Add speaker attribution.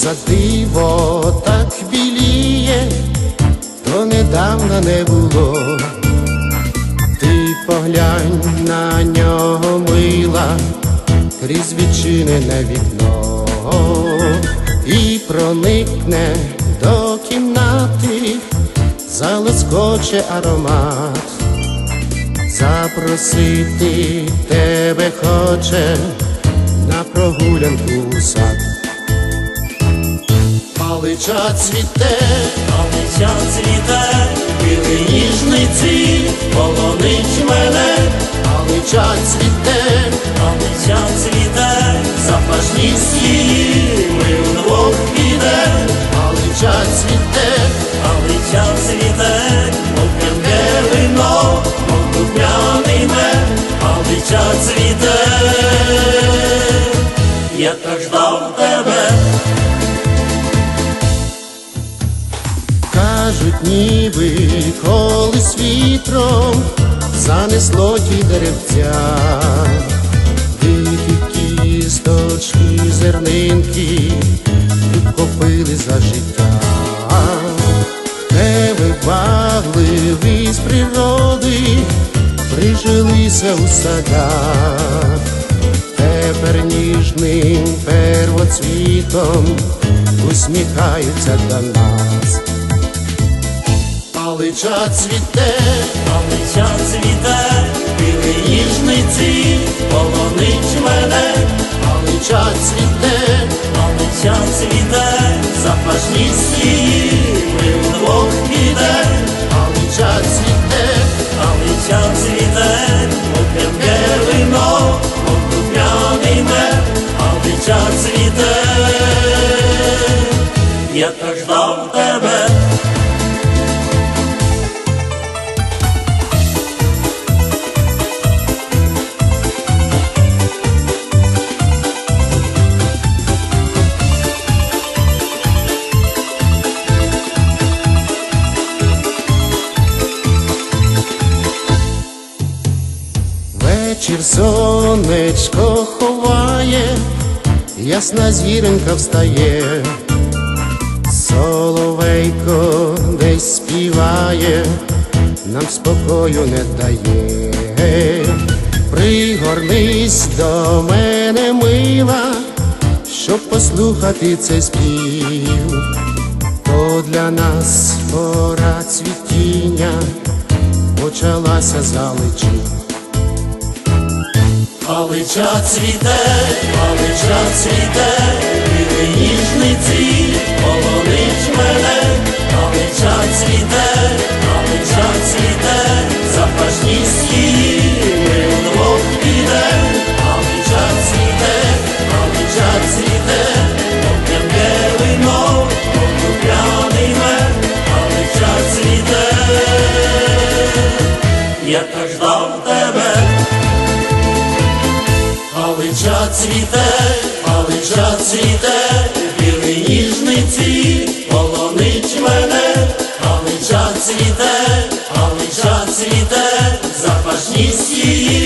Speaker 1: за диво так біліє, то недавно не було. Ти поглянь на нього, мила, крізь відчинене вікно, і проникне до кімнати, залоскоче аромат. Запросити тебе хоче на прогулянку у сад. Палича цвіте,
Speaker 2: палиця цвіте, білий ніжний цвіт полонить мене.
Speaker 1: палича цвіте,
Speaker 2: Палиця цвіте, запашність її ми вдвох підем.
Speaker 1: палича цвіте,
Speaker 2: Палиця цвіте, мов п'янке вино, мов духмяний мед. Палиця цвіте, я так ждав тебе.
Speaker 1: кажуть, ніби колись вітром занесло ті деревця, дикі кісточки, зернинки підкопили за життя. Невибагливі з природи прижилися у садах, тепер ніжним первоцвітом усміхаються до нас. Палича цвіте,
Speaker 2: Палиця цвіте, білий ніжний цвіт полонить мене.
Speaker 1: палича цвіте,
Speaker 2: Палиця цвіте, запашність її ми вдвох підем.
Speaker 1: палича цвіте,
Speaker 2: Палиця цвіте, мов п'янке вино, мов духмяний мед. Палиця цвіте, я так ждав тебе.
Speaker 1: вечір сонечко ховає, ясна зіронька встає, соловейко десь співає, нам спокою не дає. Пригорнись до мене, мила, щоб послухати цей спів, то для нас пора цвітіння почалася залечі.
Speaker 2: Палича цвіте, палича цвіте, білий ніжний цвіт полонить мене. Палича цвіте, палича цвіте, запашність її ми вдвох підем. Палича цвіте, палича цвіте, мов п'янке вино, мов духмяний мед. Палича цвіте, я так ждав тебе. Палича цвіте, палича цвіте, білий ніжний цвіт полонить мене. Палича цвіте, палича цвіте, запашність її